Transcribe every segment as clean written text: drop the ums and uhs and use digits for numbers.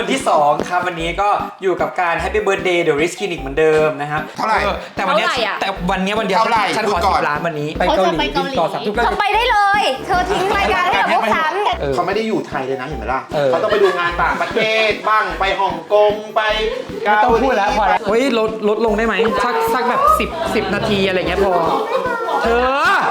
วันที่2ครับวันนี้ก็อยู่กับการ Happy Birthday The Risk Clinic เหมือนเดิมนะครับเท่าไหร่แต่วันเนี้ยวันเดียวเท่าไหร่ฉันขอพูดก่อน 10 ล้านวันนี้ไปเกาหลีบินต่อ3 ทุ่มเธอไปได้เลย เธอทิ้งรายการให้กับพวกฉันเขาไม่ได้อยู่ไทยเลยนะเห็นไหมล่ะเออเขาต้องไปดูงานต่างประเทศบ้างไปฮ่องกงไปเกาหลีต้องพูดแล้วพอแล้วเฮ้ยลดลงได้ไหมสักแบบ10 นาทีอะไรเงี้ยพอเธอ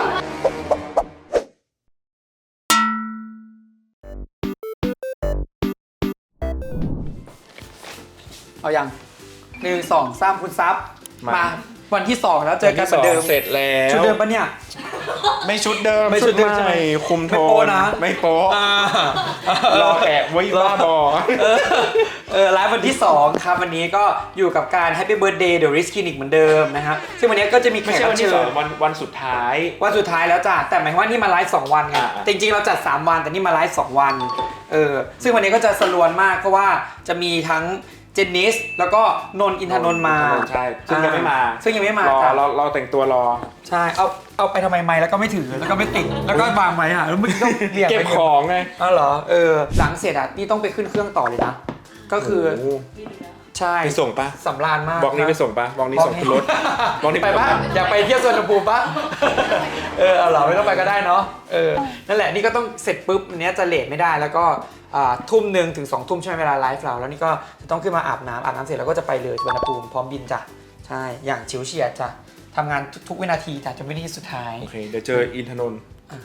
เอาอย่าง1 2 3คุณซับมาวันที่ 2 แล้วเจอกันเหมือนเดิมเสร็จแล้วชุดเดิมปะเนี่ยไม่ชุดเดิมไม่ชุดเดิมใช่ไหมคุมโทไม่โป๊ะนนะไม่โป๊ะอ่ารอแอบไว้บ้าบอไลฟ์วันที่2ครับวันนี้ก็อยู่กับการ Happy Birthday The Risk Clinic เหมือนเดิมนะครับซึ่งวันนี้ก็จะมีแขไม่กใช่รัวับนที่เชิสองญวันสุดท้ายวันสุดท้ายแล้วจ้ะแต่หมายความว่านี่มาไลฟ์2 วันไงอ่าแต่จริงๆเราจัด3 วันแต่นี่มาไลฟ์2 วันซึ่งวันนี้ก็จะสลวนมากเพราะว่าจะมีทั้งเจนนิสแล้วก็นนท์อินทนนท์มาใช่ซึ่งยังไม่มาซึ่งยังไม่มารอจ้ะเราแต่งตัวรอใช่เอาไปทำไมไม่แล้วก็ไม่ถือแล้วก็ไม่ติดแล้วก็วางไว้อะแล้วมึงต้องเรียงเก็บไปของไงอ๋อเหรอหลังเสร็จอ่ะนี่ต้องไปขึ้นเครื่องต่อเลยนะก็คือโโหใช่ไปส่งปะสำราญมากบอกนี้ไปส่งปะบอกนี้ส่งขึ้นรถบอกนี้ไปปะอยากไปเที่ยวสวนภูมิปะเอาเหรอไม่ต้องไปก็ได้เนาะนั่นแหละนี่ก็ต้องเสร็จปุ๊บอันเนี้ยจะเลทไม่ได้แล้วก็ทุ่มหนึ่งถึง2 ทุ่มใช่ไหมเวลาไลฟ์เราแล้วนี่ก็จะต้องขึ้นมาอาบน้ำเสร็จแล้วก็จะไปเลยสวนภูมิพร้อมบินจ้ะใช่อย่างฉิวเฉียดจ้ะทำงานทุกวินาทีจ้ะจนวินาทีสุดท้ายโอเคเดี๋ยวเจออินทนนท์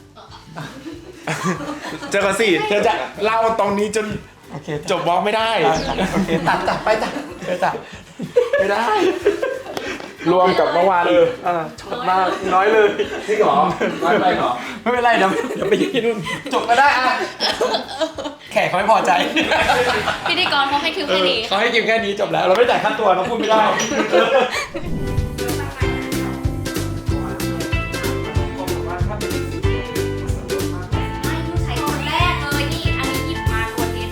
เจอกันสิเธอจะเล่าตรงนี้จนโอเคจบบล็อกไม่ได้โอเคตัดไปจ้ะจ้ะไม่ได้ รวมกับเมื่อวานชดมากน้อยเลยจริงเหรอน้อยไปเหรอไม่เป็นไรเดี๋ยวไปยืนที่นู่นจบก็ได้อะแขกเขาไม่พอใจพิธีกรเขาให้คิวแค่นี้เขาให้กินแค่นี้จบแล้ว เราไม่จ่ายค่าตัวเราพูดไม่ได้ใช้คนแรกเลยนี่ อันนี้หยิบมาคนเดียว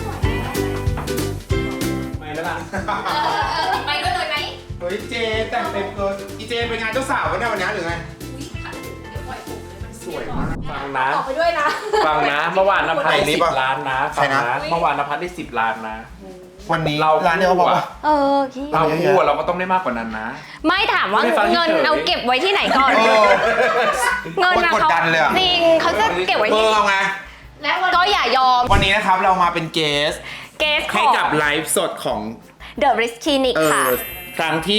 ไม่แล้วล่ะไปด้วยเลยไหมเฮ้ยเจแต่งเต็มเกินอีเจเป็นงานเจ้าสาวกันเนี่ยวันนี้หรือไง สวยมากฟังนะออกไปด้วยนะฟังนะ เมื่อวานนภัสใครได้นี่ 10 ปะล้านนะใครฟังนะนะเมื่อวานนภัสได้10 ล้านนะวันนี้เราร้านเดียวบอกว่าพี่เราพูดเราก็ต้องได้มากกว่านั้นนะไม่ถามว่าไม่ฟังเงินเฉยๆเอาเก็บไว้ที่ไหนก่อน เงินนะกดเขาดันเลยอะจริงเขาจะเก็บไว้ที่เอาไงก็อย่ายอมวันนี้นะครับเรามาเป็นเกสเกสขให้องกับไลฟ์สดของ The Risk Clinic ค่ะครั้งที่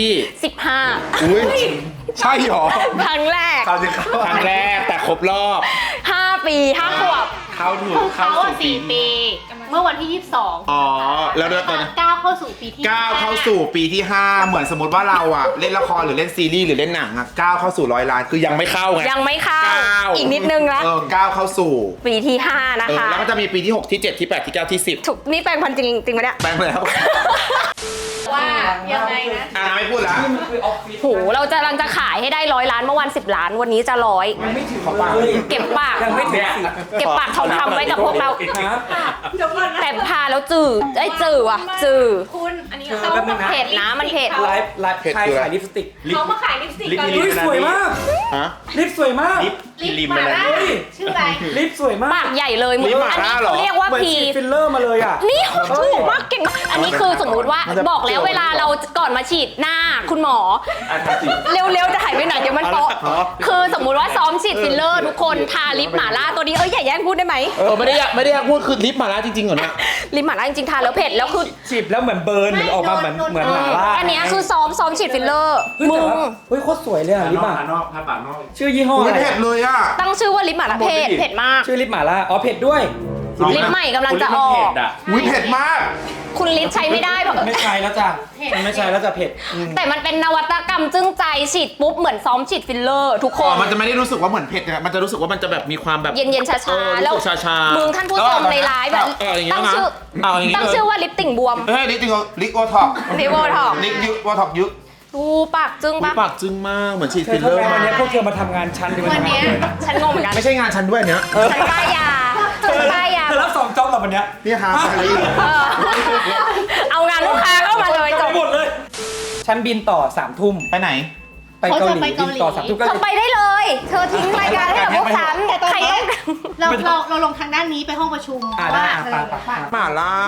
15 อุ้ยใช่หรอครั้งแรกครั้งแรกแต่ครบรอบ 5 ปี 5 ขวบเข้าถูกเขาเข้าอะสู่ 4 ปี เมื่อวันที่ 22 อ๋อ แล้วเดือนตอนก้าวเข้าสู่ปีที่ก้าวเข้าสู่ปีที่ 5 เหมือนสมมติว่าเราอะเล่นละครหรือเล่นซีรีส์หรือเล่นหนังอะก้าวเข้าสู่100 ล้านคือยังไม่เข้าไงยังไม่เข้าก้าวอีกนิดนึงนะก้าวเข้าสู่ปีที่ 5 นะคะแล้วก็จะมีปีที่ 6 ที่ 7 ที่ 8 ที่ 9 ที่ 10 ถูกนี่แปลงพันธุ์จริงไหมเนี่ยแปลงไปแล้วว่ายังไงนะไม่พูดแล้วโหเราจะกำลังจะขายให้ได้100 ล้านเมื่อวัน10 ล้าน วันนี้จะ100 ไม่ถึงของเลยเก็บปากยังไม่ถึงสิเก็บปากทองคำไว้กับพวกเราฮะเดี๋ยวก่อนนะแต่พาแล้วจืดไอ้ยจืดว่ะจืดคุณ อันนี้เธอเขาแป๊บนึงนะเผ็ดนะมันเผ็ดไลฟ์ใครขายลิปสติกเขามาขายลิปสติกกันลิลิปปสวยมากฮะลิปสวยมากลิมมาอะไรล่านี่ชื่ออะไรลิปสวยมากปากใหญ่เลยนี่หมาอันนี้ล่าเหรอเขาเรียกว่าเหมือนพีฉีดฟิลเลอร์มาเลยอ่ะนี่ถูกมากเก่งมากอันนี้คือสมมุติว่าบอกแล้วเวลาเราก่อนมาฉีดหน้าคุณหมออ่ะทำสิเร็วๆจะหายไปไหนเดี๋ยวมันโป๊ะคือสมมุติว่าซ้อมฉีดฟิลเลอร์ทุกคนทาลิปหม่าล่าตัวนี้อย่าแย่งพูดได้ไหมไม่ได้อยากพูดคือลิปมาแล้วจริงๆเหรอเนี่ยลิปหม่าล่าจริงๆทาแล้วเผ็ดแล้วคือฉีดแล้วเหมือนเบิร์นเหมือนออกมาเหมือนหมาล่าอันเนี้ยคือซ้อมฉีดฟิลเลอร์เฮ้ยมึแต่งว่าเฮ้ยโคตรสวยเลยอ่ะลิปนอกอ่ะนอกผ้าปากนอกชื่อยี่ห้ออุ้อะยไรเผ็ดเลยอ่ะตั้งชื่อว่าลิปหม่าล่าเผ็ดมากชื่อลิปหม่าล่าอ๋อเผ็ดด้วยลิปใหม่กำลังจะออเผ็กดอ่ะอุ้ยเผ็ดมากคุณลิปใช้ไม่ได้เพราะไม่ใช่แล้วจ้ะมันไม่ใช่แล้วจ้ะเผ็ดแต่มันเป็นนวัตกรรมจึ้งใจฉีดปุ๊บเหมือนซ้อมฉีดฟิลเลอร์ทุกคอ๋อน มันจะไม่ได้รู้สึกว่าเหมือนเผ็ดนะมันจะรู้สึกว่ามันจะแบบมีความแบบเย็นๆชาแล้ๆแล้ว วชาๆมึงท่านผู้ชมในไลฟ์แบบอย่างเงี้ยตั้งนะชื่อเอาอย่างงี้ตั้งชื่อว่าลิปติ่งบวมเฮ้ยลิปจริงลิปโอท็อปลิปโอท็อปลิปยุโอท็อปยุดูปากจึ้งปะปากจึ้งมากเหมือนฉีดเธฟิอลเลอร์วันนี้พวกเธอมาทำงานชั้นหรือมาวันทำงาเนี้นยฉันงงเหมือนกันไม่ใช่งานฉันด้วยเนี้ยฉันป้ายยาฉันป้ายยาเธอรับ2 จ็อบเหรอวันเนี้ยนี่ฮะอะไรอยู่เออเอางานลูกค้าเข้ามาเลยจบหมดเลยฉันบินต่อ3 ทุ่มไปไหนไปเกาหลีบินต่อ3 ทุ่มก็เธอไปได้เลย เธอทิ้งรายการให้กับพวกฉันแต่ตอนใครนี้ต้องเราลงทางด้านนี้ไปห้องประชุมได้ว่าไปเออไปหม่าล่า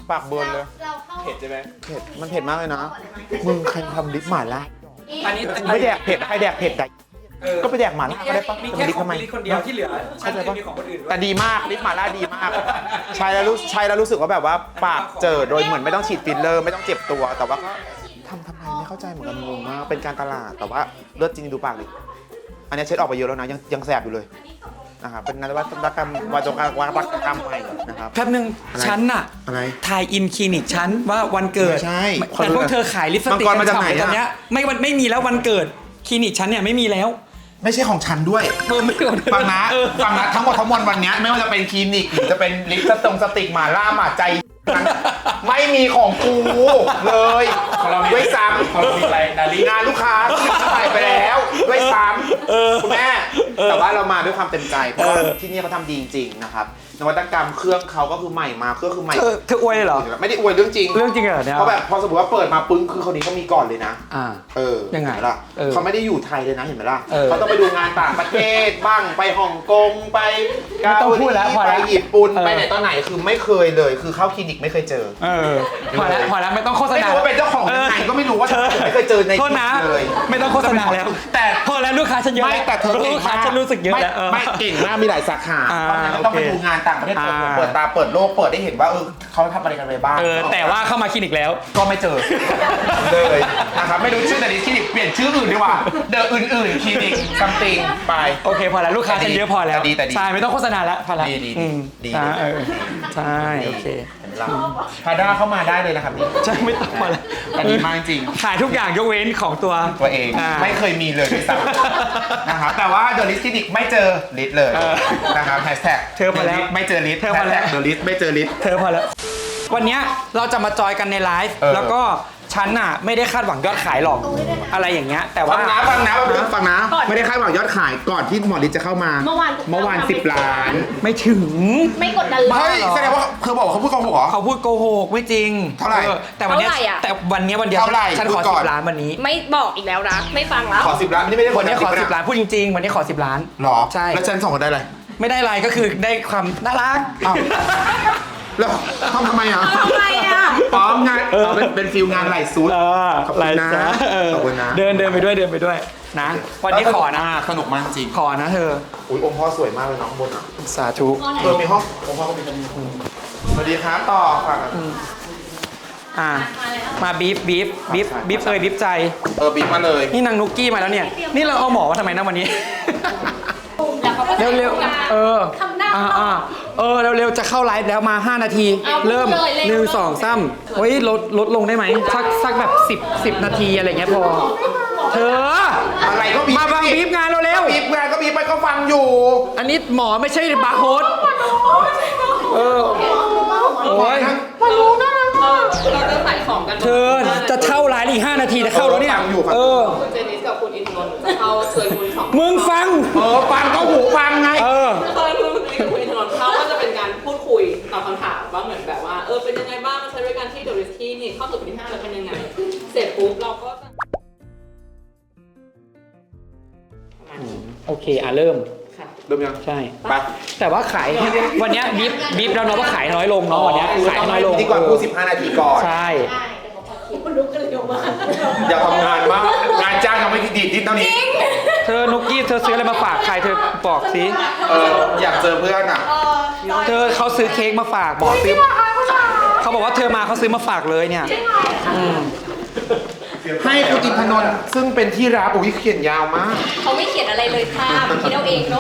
ปากเบิร์นเลยเราเข้าเผ็ดใช่ไหมเผ็ดมันเผ็ดมากเลยนะมึงใครทำลิปหม่าล่าอันนี้ไม่แดกเผ็ดใครแดกเผ็ดได้ก็ไปแดกหม่าล่าก็ได้ปะมีจะแค่ลิปของทำไมพี่ลิศคนเดียวที่เหลือฉันเข้าใจปะมีของคนอื่นด้วยแต่ดีมากลิปหม่าล่าดีมากใช้แล้วรู้สึกว่าแบบว่าปากเจอโดยเหมือนไม่ต้องฉีดฟิลเลอร์ไม่ต้องเจ็บตัว แต่ว่าก็ทำไมไม่เข้าใจเหมือนกันงงมากเป็นการตลาดแต่ว่าเลือดจริงดูปากดิอันนี้เช็ดออกไปเยอะแล้วนะยังแสบอยู่เลยนะครับเป็นนวัตกรรมวัตกรรมใหม่นะครับแป๊บนึงอะไรฉันน่ะอะไรทายอินคลินิกฉันว่าวันเกิดไม่ใช่แต่พวกเธอขายลิปสติกมังกรมาจากไหนตอนเนี้ยไม่มีแล้ววันเกิดคลินิกฉันเนี่ยไม่มีแล้วไม่ใช่ของฉันด้วยไม่เกิดฟังนะฟังนะทั้งหมดทั้งมวลวันเนี้ยไม่ว่าจะเป็นคลินิกหรือจะเป็นลิปสติกหม่าล่าหม่าใจนั้นไม่มีของกูเลยด้วยซ้ำของเรามีอะไรนาลีงานลูกค้าที่ขายไปแล้วด้วยซ้ำคุณแม่แต่ว่าเรามาด้วยความเต็มใจเพราะว่าที่นี่เขาทำดีจริงๆนะครับนวัตกรรมเครื่องเขาก็คือใหม่มาก็คือใหม่เธออวยเลยเหรอไม่ได้อวยเรื่องจริงเรื่องจริงเหรอเนี่ยเพราะแบบพอสมมติว่าเปิดมาปึ้งคือคนนี้เขามีก่อนเลยนะอ่า ยังไงเห็นหมล่ะเออเขาไม่ได้อยู่ไทยเลยนะเห็นไหมล่ะเออเขาต้องไปดูงานต่างประเทศบ้างไปฮ่องกงไปไม่ต้องพูดแล้วพอไปแล้วญี่ปุ่นเออไปไหนตอนไหนคือไม่เคยเลยคือเข้าคลินิกไม่เคยเจอพอแล้วไม่ต้องโฆษไม่ณารู้ว่าเป็นเจ้าของยังไงก็ไม่รู้ว่าไม่เคยเจอในโทษนะเลยไม่ต้องโฆษณาแล้วแต่พอแล้วลูกค้าฉันเยอะไม่แต่เธอเก่งลูกค้ามากฉันรู้สึกเยอะแล้วไม่เก่งมากมีหลายสาขาอ่าเพราะฉะนั้นต้องไปโอเคดูงานต่างประเทศอ่าเปิดตาเปิดโลกเปิดได้เห็นว่าเขาทำอะไรกันไปบ้างแต่ว่าเข้ามาคลินิกแล้วก็ไม่เจอเลยนะครับไม่รู้ชื่อแต่นี้คลินิกเปลี่ยนชื่ออื่นดีกว่าเดอะอื่นๆคลินิกซัมติงไปโอเคพอแล้วลูกค้าฉันเยอะพอแล้วแต่ดีใช่ไม่ต้องโฆษณาแล้วพอแล้วดีอืมดีใช่ใช่โอเคพาด้าเข้ามาได้เลยนะครับนี่ใช่ไม่ต้องพอแล้วแต่ดีมากจริงขายทุกอย่างยกเว้นของตัวตัวเองอ่าไม่เคยมีเลยด้วยซ้ำนะครับแต่ว่าเดอะลิสคลินิกไม่เจอลิสเลยเออนะครับแฮชแท็กเธอพอแล้วไม่เจอลิสเธอพอแล้วเดอะลิสไม่เจอลิสเธอพอแล้ว วันเนี้ยเราจะมาจอยกันในไลฟ์เออแล้วก็ฉันน่ะไม่ได้คาดหวังยอดขายหรอกอะไรอย่างเงี้ยแต่ว่าฟังนะไม่ได้คาดหวังยอดขายก่อนที่หมอลิสจะเข้ามาเมื่อวาน 10 ล้านไม่ถึงไม่กดดันเลเฮ้ยยแสดงว่าเธอบอกว่าเขาพูดโกหกเหรอเขาพูดโกหกไม่จริงเท่าไหร่แต่วันเนี้ยเท่าไหร่อะแต่วันเนี้ยวันเดียวเท่าไหร่ฉันขอพูดก่อน 10 ล้านวันนี้ไม่บอกอีกแล้วนะ ไม่ฟังแล้วขอ10 ล้านนี่ไม่ได้วันนี้ขอ 10 10 ล้านพูดจริง ๆ วันนี้ขอ10 ล้านหรอใช่แล้วฉันสองคนได้อะไรไม่ได้อะไรก็คือได้ความน่ารักอ้าว แล้วทำไมอ่ะทำไมอ่ะอ๋องานเป็นฟิลงานไหลซูด ขอบคุณนะไรจ๊ขอบคุณนะเดินไปด้วยนะ วันนี้ขอนะสนุกมากจริงขอนะเธออุ้ยองค์พ่อสวยมากเลยน้องบนอ่ะสาธุมีห้ององค์พ่อก็มีกันสวัสดีครับต่อฝากอ่ามาบีฟบีฟใจบีบมาเลยนี่นางนุกกี้มาแล้วเนี่ย นี่เราเอาหมอมาทำไมนะวันนี้แล้วเขาก็จะเร็วทำงานๆ เออทำหน้าเร็วๆ จะเข้าไลฟ์แล้วมา 5 นาทีเอาเริ่มเลยเร็ว 1 2 3เฮ้ยลดลงได้ไหมสักแบบ10 นาทีอะไรเงี้ยพอ เธออะไรก็บีบมาบังบีฟงานเราเร็วบีบงานก็บีบไปก็ฟังอยู่อันนี้หมอไม่ใช่บาร์โฮสเออ โอ้ยเราจะใส่ของกันเธอจะเข้าไลฟ์อีก 5 นาทีจะเข้าแล้วเนี่ย เออคุณเจนิสกับคุณอินทนนท์จะเข้าเชิญคุณสองมึงฟังฟังก็หูฟังไงเออเชิญคุณเจนิสกับคุณอินทนนท์เข้าก็จะเป็นการพูดคุยตอบคำถามว่าเหมือนแบบว่าเป็นยังไงบ้างมาใช้บริการที่เดอะริสที่นี่เข้าสู่ปีที่5แล้วเป็นยังไง เสร็จปุ๊บเราก็จะประมาณนี้โอเคเริ่มค่ะเริ่มยังใช่ไปแต่ว่าขายวันเนี้ยบีฟแล้วเนาะว่าขายน้อยลงเนาะวันเนี้ยขายน้อยลงพิธีกรพูด15 นาทีก่อนใช่คนลุกกันเลยออกมาอย่าทำงานมากงานจ้างยังไม่ดีดเท่านี้เธอนุกกี้เธอซื้ออะไรมาฝากใครเธอบอกสิอยากเจอเพื่อนอ่ะเธอเขาซื้อเค้กมาฝากบอกซื้อเขาบอกว่าเธอมาเขาซื้อมาฝากเลยเนี่ยอืมให้คุณอินทนนท์ซึ่งเป็นที่รักอุ้ยเขียนยาวมากเขาไม่เขียนอะไรเลยค่ะมันคิดเอาเองเนาะ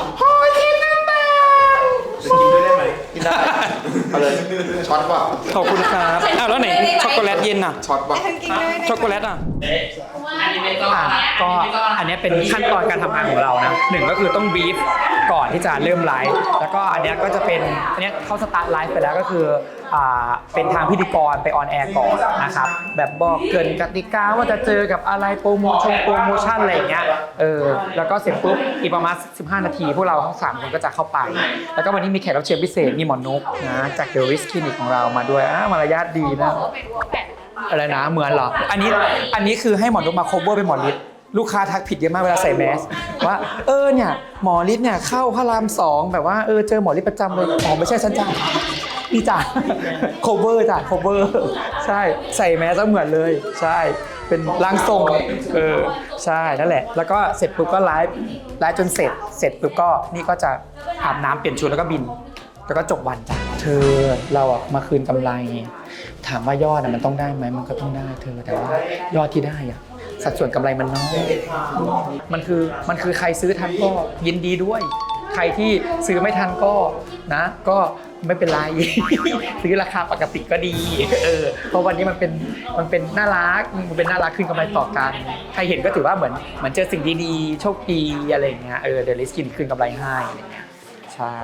กินได้เอาเลยช็อตป่ะขอบคุณครับอ้าวแล้วไหนช็อกโกแลตเย็นอ่ะช็อตป่ะช็อกโกแลตอ่ะอันนี้เป็นก็ก็อันนี้เป็นขั้นตอนการทำงานของเรานะหนึ่งก็คือต้องบีฟก่อนที่จะเริ่มไลฟ์แล้วก็อันเนี้ยก็จะเป็นอันเนี้ยเข้าสตาร์ทไลฟ์ไปแล้วก็คือเป็นทางพิธีกรไปออนแอร์ก่อนนะครับแบบบอกเกรินกติกาว่าจะเจอกับอะไรโปรโมชั่นอะไรอย่างเงี้ยแล้วก็เสร็จปุ๊บอีกประมาณ15 นาทีพวกเราทั้ง3คนก็จะเข้าไปแล้วก็วันนี้มีแขกรับเชิญพิเศษมีหมอนุกนะจาก The Risk Clinic ของเรามาด้วยมารยาทดีนะอะไรนะเหมือนเหรออันนี้คือให้หมอนุกมา cover เป็นหมอฤทธิ์ลูกค้าทักผิดเยอะมากเวลาใส่แมสว่าเนี่ยหมอฤทธิ์เนี่ยเข้าพระราม2แบบว่าเจอหมอฤทธิ์ประจำเลยอ๋อไม่ใช่ฉันจ้านี่จ้ะ cover จ้ะ cover ใช่ใส่แมสเหมือนเลยใช่เป็นร่างทรงใช่นั่นแหละแล้วก็เสร็จปุ๊บก็ไลฟ์จนเสร็จปุ๊บก็นี่ก็จะอาบน้ำเปลี่ยนชุดแล้วก็บินแล้วก็จบวันจ้ะเธอเราอะมาคืนกำไรถามว่ายอดมันต้องได้ไหมมันก็ต้องได้เธอแต่ว่ายอดที่ได้อะสัดส่วนกำไรมันน้อยมันคือใครซื้อทันก็ยินดีด้วยใครที่ซื้อไม่ทันก็นะก็ไม่เป็นไร ซื้อราคาปกติก็ดีเพราะวันนี้มันเป็นน่ารักคืนกำไรต่อกันใครเห็นก็ถือว่าเหมือนเจอสิ่งดีๆโชคดีอะไรอย่างเงี้ยเดลิสกินคืนกำไรให้อะไรอย่างเงี้ยใช่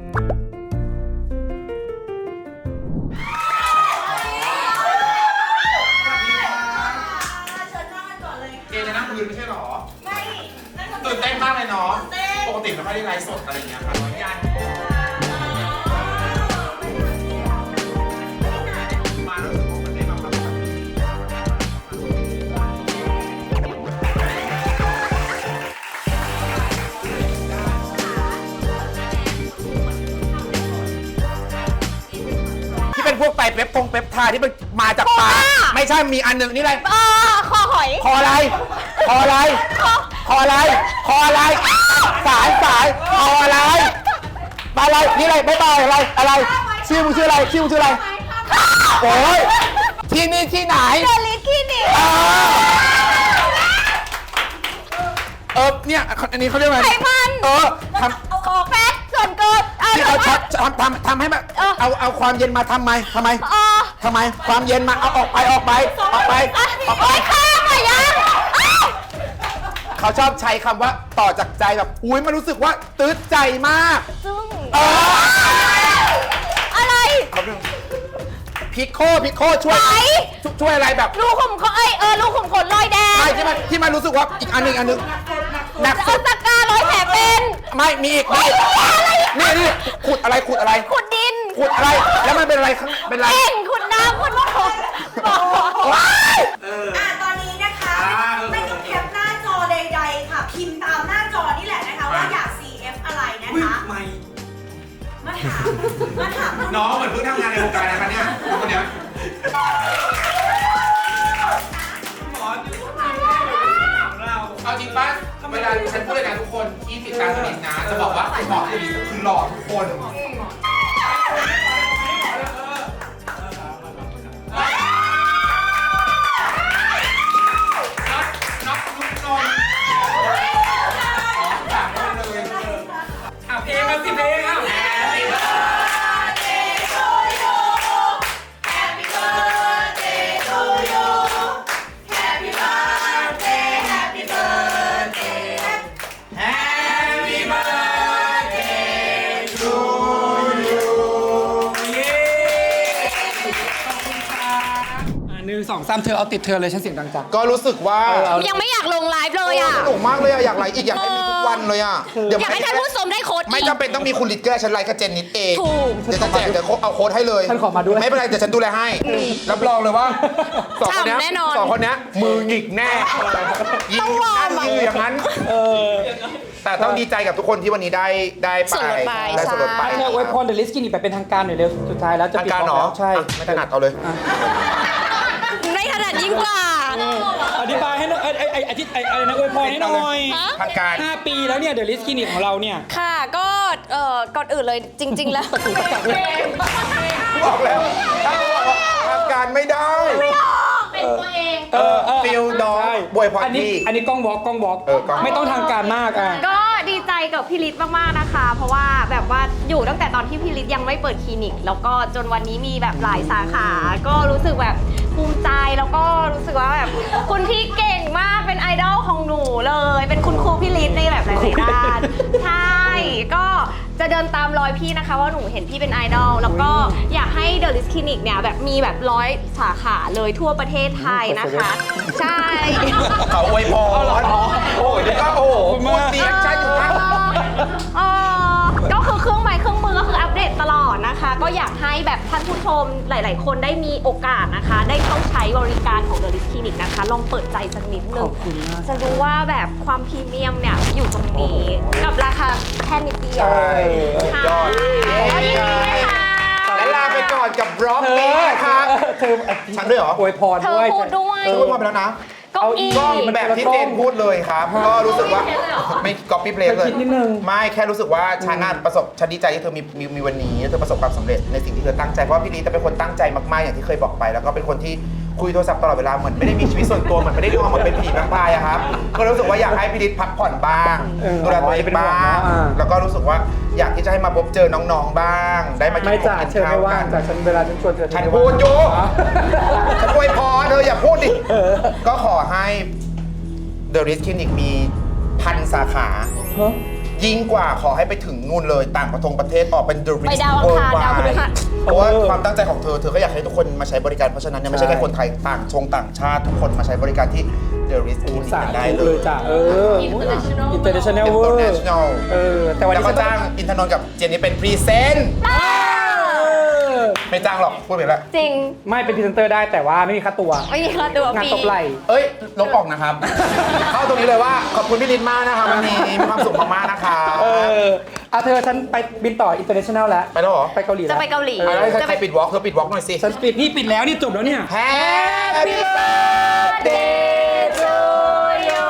เจจะนั่งคุยไม่ใช่หรอ ไม่ตื่นเต้นมากเลยเนาะ ปกติเราไม่ได้ไลฟ์สดอะไรอย่างเงี้ยค่ะร้อยยันมาแล้วรู้สึกว่ามันได้มาแบบที่เป็นพวกไตเปปทาที่มันมาจากปลาไม่ใช่มีอันหนึ่งนี่อะไรคอหอยคออะไร คออะไร คออะไร คออะไร สายคออะไรปลาอะไร นี่อะไรไม่ปลาอะไร ชื่อมึงชื่ออะไร โอ้ยที่นี่ที่ไหนเดลิสคลินิกเนี่ยอันนี้เขาเรียกอะไรไขมันทำแฟตส่วนเกินที่เขาทำให้แบบเอาความเย็นมาทำไมความเย็นมาเอาออกไปโอ๊ยข้ามอะยังเขาชอบใช้คำว่าต่อจากใจแบบอุ้ยมันรู้สึกว่าตื้อใจมากซึ่งอะไรพิโคช่วยอะไรแบบลูกขุมขนลูกขุมขนรอยแดงไม่ที่มันรู้สึกว่าอีกอันหนึงหนักสุเอาดตะกร้าร้อยแผลเป็นไม่มีอีกนี่ขุดอะไรขุดดินขุดอะไรแล้วมันเป็นอะไรข้างเป็นอะไรเอ็นขุดน้ำขุดน้ำตอนนี้นะคะ ไม่ต้องแคปหน้าจอใดๆค่ะ พิมพ์ตามหน้าจอนี่แหละนะคะ ว่าอยาก CF อะไรนะคะ มาถามน้องเหมือนเพิ่งทำงานในวงการนะคะเนี่ยคนเนี้ยเอาจริงป่ะเวลาฉันพูดเลยนะทุกคนที่ติดตามตัวนี้นะจะบอกว่าหมอตัวนี้คือหล่อทุกคนนับลุกนนเพลงมาสิเพลงอ่ะ 1 2 3เธอเอาติดเธอเลยฉันเสียงดังจังก็รู้สึกว่ายังไม่อยากลงไลฟ์เลยอ่ะสนุกมากเลยอะอยากไลฟ์อีกอยากให้มีทุกวันเลยอะเดี๋ยวอยากให้ท่านผู้ชมได้โค้ดไม่อีกจำเป็นต้องมีคุณลิตเกอร์ฉันไลฟ์กับเจนนิดเองถูกเดี๋ยวจะแจกเดี๋ยวเอาโค้ดให้เลยฉันขอมาด้วยไม่เป็นไรเดี๋ยวฉันดูแลให้รับรองเลยว่าสองคนเนี้ยฉ่ำแน่นอนสองคนเนี้ยมือหงิกแน่ยิงอยู่นั่นยิงอยู่อย่างนั้นแต่ต้องดีใจกับทุกคนที่วันนี้ได้ไปส่วนลดไปได้ส่วนลดไปเธออวยพรเดลิสกินแบบเป็นทางการหน่อยเร็วสุดท้ายแล้วจะทางปิดการกเหรล้อองแล้วใช่ไม่ถนัดเอาเลยไม่ถนัดยิ่งกว่าอธิบายให้หน่อยอะไรนะอวยพรให้หน่อยทางการ 5 ปีแล้วเนี่ยเดลิสกินของเราเนี่ยค่ะก็ก่อนอื่นเลยจริง ๆ แล้วบอกแล้วทางการไม่ได้เป็นตัวเองฟิลดอยบวยพรอันนี้พี่อันนี้กล้องวอล์กกล้องวอล์กกล้องไม่ต้องทางการมากอ่ะก็ดีใจกับพี่ฤทธิ์มากๆนะคะ เพราะว่าแบบว่าอยู่ตั้งแต่ตอนที่พี่ฤทธิ์ยังไม่เปิดคลินิก แล้วก็จนวันนี้มีแบบหลายสาขา ก็รู้สึกแบบภูมิใจแล้วก็รู้สึกว่าแบบคุณพี่เก่งมากเป็นไอดอลของหนูเลย เป็นคุณครูพี่ฤทธิ์ในแบบหลายๆด้านใช่ก็จะเดินตามรอยพี่นะคะว่าหนูเห็นพี่เป็นไอดอลแล้วก็อยากให้เดอะลิสคลินิกเนี่ยแบบมีแบบ100 สาขาเลยทั่วประเทศไทยนะคะ ใช่เขาอวยพรโอ้ยก็โอ้โหพูดเสียงใช่อยู่นะก็คือเครื่องไม้เครื่องมือก็คืออัปเดตตลอดนะคะ ก็อยากให้แบบท่านผู้ชมหลาย ๆ คนได้มีโอกาสนะคะ ได้เข้าใช้บริการของ The Lips Clinic นะคะ ลองเปิดใจสักนิดนึงจะรู้ว่าแบบความพรีเมียมเนี่ยอยู่ตรงนี้กับราคาแค่นิดเดียวใช่ยอดก็ยินดีนะคะและลาไปอนกับบล็อกนี้นะคะเธอฉันด้วยเหรออวยพรเธอด้วยพูดด้วยพูดมาไปแล้วนะเก้าอี้ก็แบบที่เจนพูดเลยครับ ก็รู้สึกว่าไม่ copy paste เลยคิดนิดนึงไม่แค่รู้สึกว่าฉันน่ะฉันดีใจที่เธอมีวันนี้เธอประสบความสำเร็จในสิ่งที่เธอตั้งใจเพราะว่าพี่ลีจะเป็นคนตั้งใจมากๆอย่างที่เคยบอกไป แล้วก็เป็นคนที่คุยโทรศัพท์ตลอดเวลาเหมือนไม่ได้มีชีวิตส่วนตัวเหมือนไม่ได้นอนเหมือนเป็นผีแวมไพร์อะครับก็รู้สึกว่าอยากให้พี่ลีพักผ่อนบ้างดูแลตัวเองบ้างแล้วก็รู้สึกว่าอยากที่จะให้มาพบเจอน้องๆบ้าง ได้มากิไม่นจ่าเชิญไม่ว่างจากฉันเวลาฉันชวนเธอฉันพูดอยู่ฉันอวยพรเธออย่าพูดดิก็ขอให้ The Riz Clinic มี1,000 สาขา ยิ่งกว่าขอให้ไปถึงนู่นเลยต่างประเทศออกเป็น The ไป Riz ดาวอังคารดาวพฤหัสเพราะว่าความตั้งใจของเธอก็อยากให้ทุกคนมาใช้บริการเพราะฉะนั้นเนี่ยไม่ใช่แค่คนไทยต่างชาติทุกคนมาใช้บริการที่ The Riz Clinic สากันได้ธุเลเลย ยจ้ะinternational เวอร์ International แต่วันแล้วนี้ก็จ้างอินทนนท์กับเจนนี่เป็นพรีเซนต์ไม่จ้างหรอกพูดไปแล้วจริงไม่เป็นพรีเซนเตอร์ได้แต่ว่าไม่มีค่าตัวไม่มีค่าตัวงานฟรีตบไหล่เอ้ยลบออกนะครับ เข้าตรงนี้เลยว่าขอบคุณพี่ลินมากนะคะวันนี้มีความสุขมากๆนะคะเอาเธอฉันไปบินต่อ international แล้วไปแล้วเหรอไปเกาหลีจะแล้วไปเกาหลีแล้วจะใคไปรปิดวอล์กเธอปิดวอล์กหน่อยสิฉันปิดนี่ปิดแล้วนี่จบแล้วเนี่ย Happy birthday to you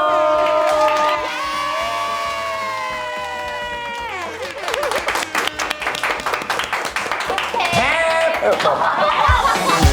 Happy